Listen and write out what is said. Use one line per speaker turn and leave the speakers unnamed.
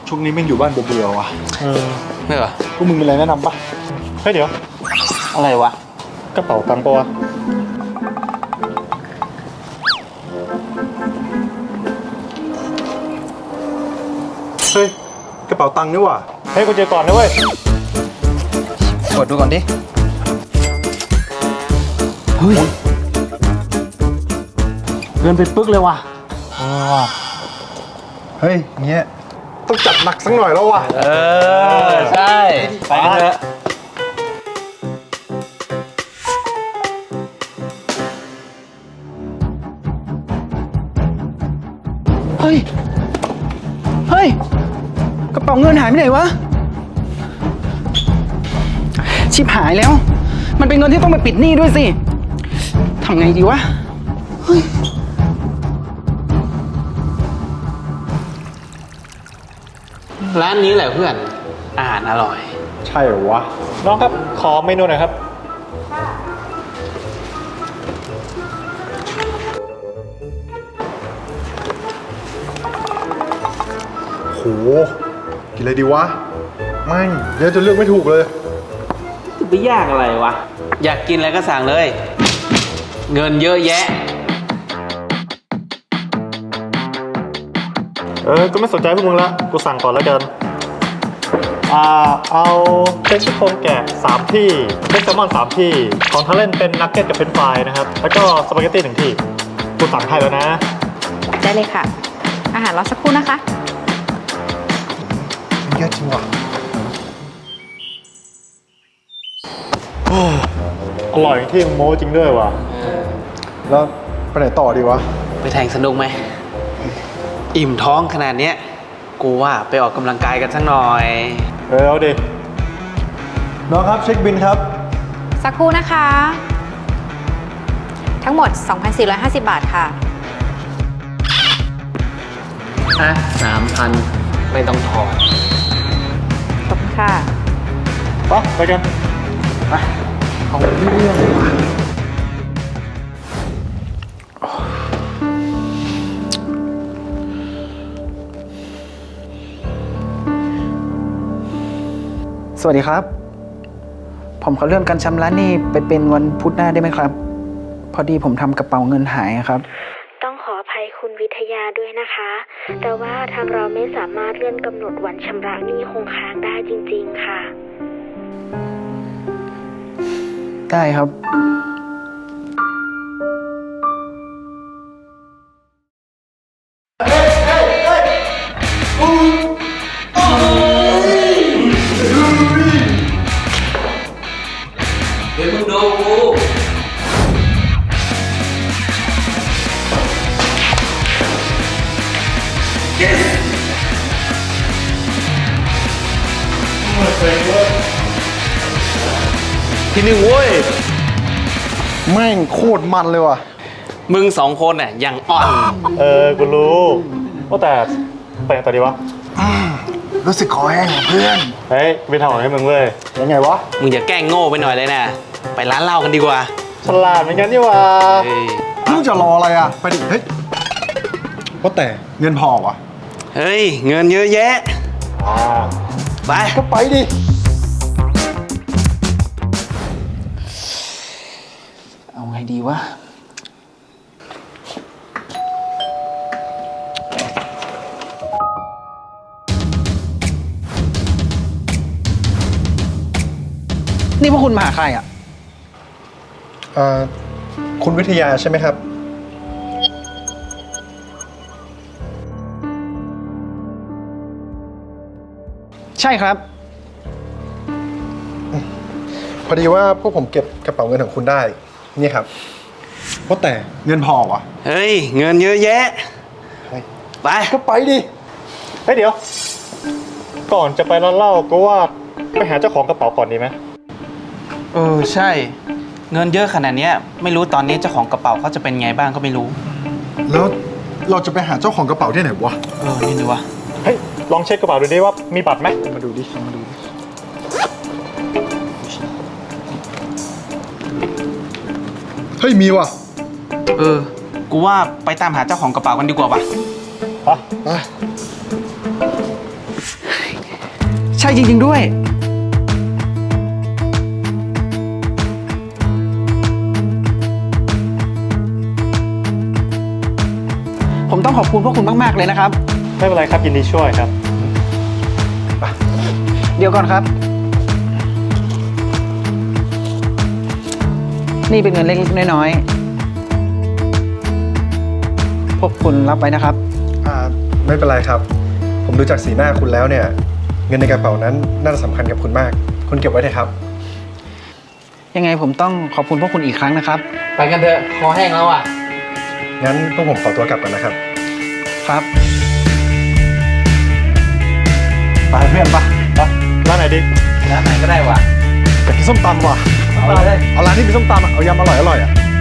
ช่วงนี้แม่งอยู่บ้านเบื่อๆว่ะ
ไม่เหรอ
พวกมึงมีอะไรแนะนำปะ
เฮ้ยเดี๋ยว
อะไรวะ
กระเป๋าตังค์ปะวะ
เฮ้ยกระเป๋าตังค์นี่ว่ะ
เฮ้ยกูเจอก่อนนะเว้ย
กดดูก่อนดิเฮ้ยเงินไปปึ๊กเลยว่ะ
เฮ้ยเงี้ยต้องจัดหนักสักหน่อยแล้วว่ะ
ใช่ไปกันเถอะเฮ้ยกระเป๋าเงินหายไปไหนวะชิบหายแล้วมันเป็นเงินที่ต้องไปปิดหนี้ด้วยสิทำไงดีวะร้านนี้แหละเพื่อนอาหารอร่อย
ใช่เหรอวะ
น้องครับขอเมนูหน่อยครับ
โหกินอะไรดีวะไม่เดี๋ยวจะเลือกไม่ถูกเลย
จะไปยากอะไรวะอยากกินอะไรก็สั่งเลยเงินเยอะแยะ
ก็ไม่สนใจพวกมึงละกูสั่งก่อนแล้วกันเอาเต็กซี่โครงแกะ3ที่เต็กแซลมอน3ที่ของทาเล่นเป็นนักเก็ตกับเป็นฟรายนะครับแล้วก็สปาเกตตี้1ที่กูสั่งให้แล้วนะ
ได้เลยค่ะอาหารรอสักครู่นะคะ
เยอะจริงว่ะ
อร่อยที่มึงโม้จริงด้วยว่ะ
แล้วไปไหนต่อดีวะ
ไปแทงสนุกไหมอิ่มท้องขนาดเนี้ยกูว่าไปออกกำลังกายกันสักหน่อย
เอาดิ
น้องครับเช็คบิลครับ
สักครู่นะคะ ทั้งหมด 2,450 บาทค่ะ
3,000ไม่ต้องถอน
ขอบคุณค่ะ
ไปกัน
ไปเอาเรื่องว่ะสวัสดีครับผมขอเลื่อนการชำระหนี้ไปเป็นวันพุธหน้าได้ไหมครับพอดีผมทำกระเป๋าเงินหายครับ
ต้องขออภัยคุณวิทยาด้วยนะคะแต่ว่าทางเราไม่สามารถเลื่อนกำหนดวันชำระหนี้คงค้างได้จริงๆค่ะ
ได้ครับเดี๋ยวมึงดูกูที่หนึ่งเว้ย
แม่งโคตรมันเลยว่ะ
มึง2คนน่ะยังอ่อน
กูรู้ว่าแต่ไปไหนต่อดีวะ
รู้สึกคอแห้งเพื่อน
เฮ้ยไปทำอะไรให้มึงเว้ย
ยังไงวะ
มึงอย่าแกล้งโง่ไปหน่อยเลยนะไปร้านเหล้ากันดีกว่า
ฉลาดเหมือนกันนี่วะ
มึงจะรออะไรอ่ะไปดิเฮ้ยว่าแต่เงินพอวะ
เฮ้ยเงินเยอะแยะไป
ก็ไปดิ
เอาไงดีวะนี่พวกคุณมาหาใครอ่ะ
คุณวิทยาใช่ไหมครับ
ใช่ครับ
พอดีว่าพวกผมเก็บกระเป๋าเงินของคุณได้นี่ครับว่าแต่เงินพอวะ
เฮ้ยเงินเยอะแยะไป
ก็ไปดิ
เฮ้ยเดี๋ยวก่อนจะไปร้านเหล้าก็ว่าไปหาเจ้าของกระเป๋าก่อนดีไหม
ใช่เงินเยอะขนาดนี้ไม่รู้ตอนนี้เจ้าของกระเป๋าเขาจะเป็นไงบ้างก็ไม่รู้
แล้วเราจะไปหาเจ้าของกระเป๋าที่ไหนวะ
นี่ดูวะ
เฮ้ยลองเช็คกระเป๋าดูดิว่ามีบัตรไหม
มาดูดิเฮ้ยมีว่ะ
กูว่าไปตามหาเจ้าของกระเป๋ากันดีกว่าป่ะ
ไป
ช่จริง ๆ ด้วย ผมต้องขอบคุณพวกคุณมาก ๆ เลยนะครับ
ไม่เป็นไรครับยินดีช่วยครับ
เดี๋ยวก่อนครับ นี่เป็นเงินเล็ก ๆ น้อย ๆ พวกคุณรับไว้นะครับ
ไม่เป็นไรครับ ผมดูจากสีหน้าคุณแล้วเนี่ย เงินในกระเป๋านั้นน่าจะสำคัญกับคุณมาก คุณเก็บไว้เถอะครับ
ยังไงผมต้องขอบคุณพวกคุณอีกครั้งนะครับ
ไปกันเถอะ คอแห้งแล้วอ่ะ
งั้นพวกผมขอตัวกลับก่อนนะครับ
ครับ
ไปเพื่อนปะ
ร้านไหนดี
ร้านไหนก็ได้ว่ะ
อยากกินส้มตำว่ะ
เอาเลย
เอาร้านที่มีส้มตำอ่ะ เอายำอร่อยๆอ่ะ